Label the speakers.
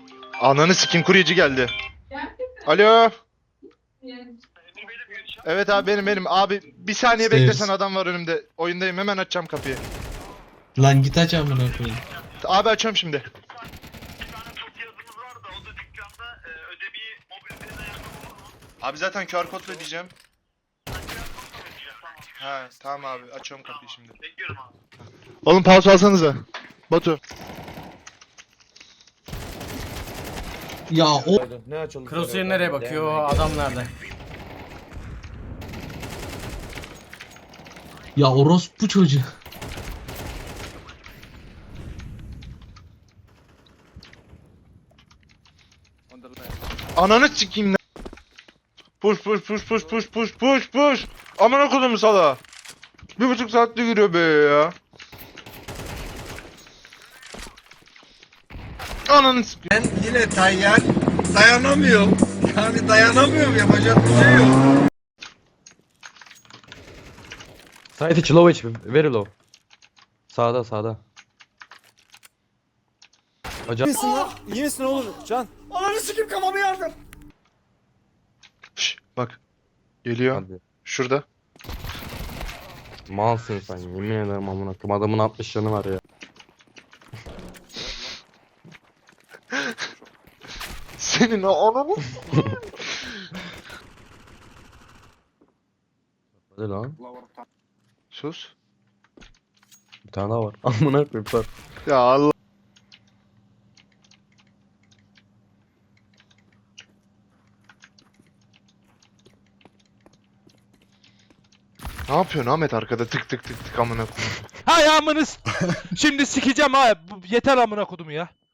Speaker 1: Ananı sikim, kuryeci geldi. Alo. Evet abi, benim. Abi bir saniye
Speaker 2: Stairs.
Speaker 1: beklesen, adam var önümde. Oyundayım, hemen açacağım kapıyı.
Speaker 2: Lan git aç amına koyayım.
Speaker 1: Abi açıyorum şimdi. Abi zaten QR kodla diyeceğim. Ha tamam abi, açıyorum kapıyı şimdi. Bekliyorum abi. Oğlum pause alsanıza. Batu.
Speaker 2: Ya o
Speaker 3: Ne açıldı?
Speaker 4: Crosshair nereye bakıyor? Adam nerede?
Speaker 2: ya orospu çocuğu.
Speaker 1: Ananı sikeyim lan. Push. Amına koydum sala. 1,5 saatte giriyor be ya. Ananı sikeyim.
Speaker 3: Ben yine Tayyar dayanamıyorum. Yani dayanamıyorum, yapacak bir şey yok.
Speaker 5: Side içi low HP, very low. Sağda. Hocam
Speaker 6: İyi misin lan? İyi misin oğlum? Can. Ananı sikim, kafamı yardım.
Speaker 1: Şş, bak. Geliyor.
Speaker 5: hadi.
Speaker 1: Şurada.
Speaker 5: Malsın sen, yemin ederim amına koyayım. Adamın 60 canı var ya.
Speaker 1: Senin o ananı.
Speaker 5: Hadi lan.
Speaker 1: Sus.
Speaker 5: Bir tane daha var. Amına koyayım var.
Speaker 1: Ya Allah. Ne yapıyorsun Ahmet arkada, tık tık amına koyayım.
Speaker 7: Hay amınız. Şimdi sikeceğim ha. Yeter amına kodum ya.